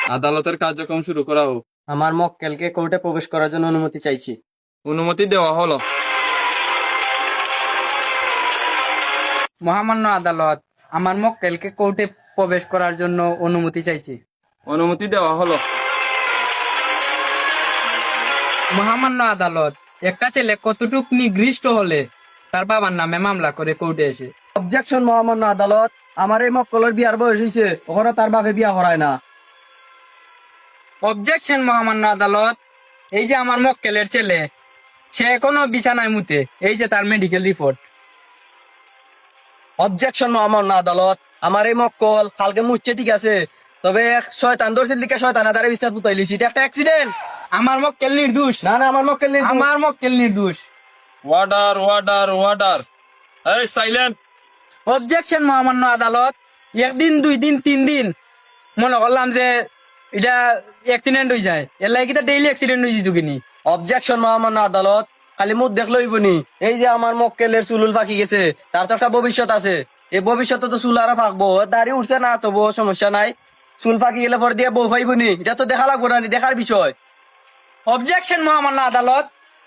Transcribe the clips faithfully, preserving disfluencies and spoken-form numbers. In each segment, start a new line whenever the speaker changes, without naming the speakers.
আদালতের কার্যক্রম শুরু করা হোক।
আমার মক্কেলকে কোর্টে প্রবেশ করার জন্য অনুমতি চাইছি।
অনুমতি দেওয়া হলো।
মহামান্য আদালত, আমার মক্কেলকে কোর্টে প্রবেশ করার জন্য অনুমতি চাইছি।
অনুমতি দেওয়া হলো।
মহামান্য আদালত, একটা ছেলে কতটুক নিগৃষ্ট হলে তার বাবার নামে মামলা করে কোর্টে এসে।
অবজেকশন মহামান্য আদালত, আমার এই মক্কলের বিয়ার বয়স হয়েছে, ওখানে তার বাপে বিয়া করায় না।
অবজেকশন মহামান্য আদালত, এই যে আমার মক্কেলের ছেলে, সে এখনো বিছানায় মুতে, এই যে তার মেডিকেল রিপোর্ট।
অবজেকশন মহামান্য আদালত, আমার এই মক্কল কালকে মুচ্ছে ঠিক আছে, তবে এক শয়তান ধরছিল দিকে শয়তান আদারে বিস্তার পুতাই লিছি, এটা একটা অ্যাক্সিডেন্ট।
আমার মক্কেল নির্দোষ।
না না, আমার মক্কেল নেই।
আমার মক্কেল নির্দোষ।
ওয়ার্ডার ওয়ার্ডার ওয়ার্ডার এই সাইলেন্ট।
অবজেকশন মহামান্য আদালত, একদিন দুই দিন তিন দিন মনে করলাম যে এটা অ্যাক্সিডেন্ট হয়ে যায়, এর লাগে কিটা ডেইলি অ্যাক্সিডেন্ট হয়ে যেত কিনি।
অবজেকশন মহামান্য আদালত, খালি মুখ দেখলো হইবনি। এই যে আমার মক্কেলের চুলুল ফাঁকি গেছে, তার তো একটা ভবিষ্যৎ আছে। এই ভবিষ্যতে তো চুল আরো ফাঁকবো, দাড়ি উঠছে না তবু সমস্যা নাই। চুল ফাঁকি গেলে পর দিয়ে বউ ফাইবনি, এটা তো দেখা লাগবো না, দেখার বিষয়।
অবজেকশন মহামান্য আদালত,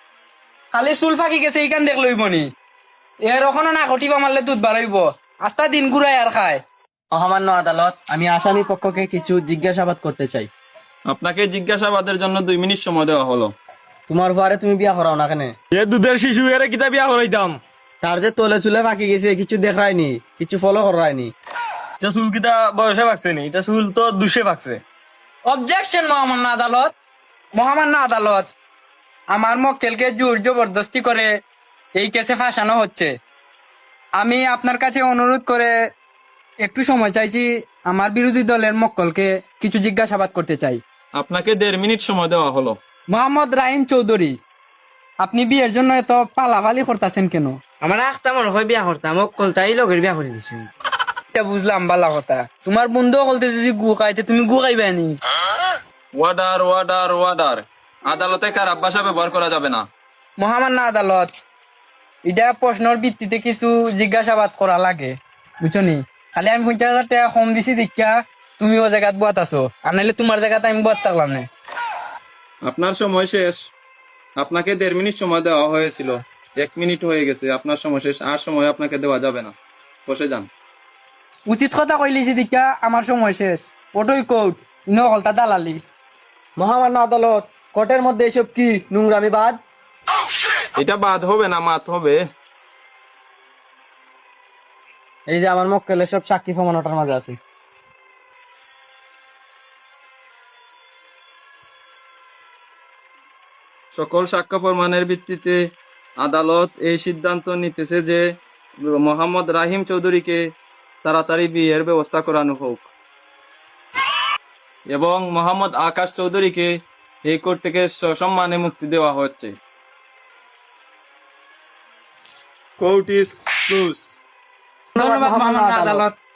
খালি চুল ফাঁকি গেছে এইখান দেখ লইব নি, এর ওখানে না ঘটিবা মারলে দুধ বাড়াইব, আস্তা দিন ঘুরাই আর খায়।
মহামান্য আদালত, আমি আসামি পক্ষকে কিছু জিজ্ঞাসাবাদ করতে চাই।
আপনাকে জিজ্ঞাসাবাদের জন্য দুই মিনিট সময় দেওয়া হলো।
তোমার ঘরে তুমি বিয়া করাও না কেন?
এ দুধের শিশু এর কিতা বিয়া করাইতাম।
তার যে তলে চুলে ফাঁকি গেছে, কিছু দেখায়নি, কিছু ফলো করায়নি।
এটা চুল কিতা বয়সে পাকছে নি, এটা চুল তো দুশে পাকছে।
অবজেকশন মহামান্য আদালত, মহামান্য আদালত, আমার মক্কেলকে জোর জবরদস্তি করে এই কেসে ফাঁসানো হচ্ছে। আমি আপনার কাছে অনুরোধ করে একটু সময় চাইছি, আমার বিরোধী দলের মক্কলকে কিছু জিজ্ঞাসাবাদ করতে চাই।
আপনাকে দেড় মিনিট সময় দেওয়া হলো।
মোহাম্মদ রাহিম চৌধুরী, আপনি বিয়ের জন্য এত পালাপালি করতেছেন কেন?
আমার আখতা মনে হয় বিয়া করতাম, ও কলতাই লগের বিয়া করে দিছি।
এটা বুঝলাম ভালো কথা, তোমার বন্ধু বলতেছে যে গু খাইতে, তুমি গু খাইবে নি?
ওয়ার্ডার ওয়ার্ডার ওয়ার্ডার আদালতে খারাপ ভাষা ব্যবহার করা যাবে না।
মহামান্য আদালত, এটা প্রশ্নের ভিত্তিতে কিছু জিজ্ঞাসাবাদ করা লাগে, বুঝছো নি? খালি আমি পঞ্চাশ হাজার টাকা কম দিছি দীক্ষা তুমি ও জায়গাত বাত আছো, আর নাহলে তোমার জায়গাতে আমি বাত থাকলাম না।
আপনার সময় শেষ। আপনাকে দেড় মিনিট সময় দেওয়া হয়েছিল, এক মিনিট হয়ে গেছে। আপনার সময় শেষ, আর সময় আপনাকে দেওয়া যাবে না। বসে যান।
উচিত কথা কইলিছি দীক্ষা, আমার সময় শেষ। ওটাই কোর্ট, নকলতা দালালি।
মহামান্য আদালত, কোর্টের মধ্যে এসব কি নোংরামি বাদ?
এটা বাদ হবে না, মাত হবে।
এই যে আমার মক্কেলের সব সাক্ষী প্রমাণ ওটার মাঝে আছে।
সকল সাক্ষ্য প্রমাণের ভিত্তিতে আদালত এই সিদ্ধান্ত নিতেছে যে মোহাম্মদ রাহিম চৌধুরীকে তাড়াতাড়ি বিয়ের ব্যবস্থা করানো হোক এবং মোহাম্মদ আকাশ চৌধুরীকে এই কোর্ট থেকে সসম্মানে মুক্তি দেওয়া হচ্ছে। Court is close.
ধন্যবাদ মহামান্য আদালত।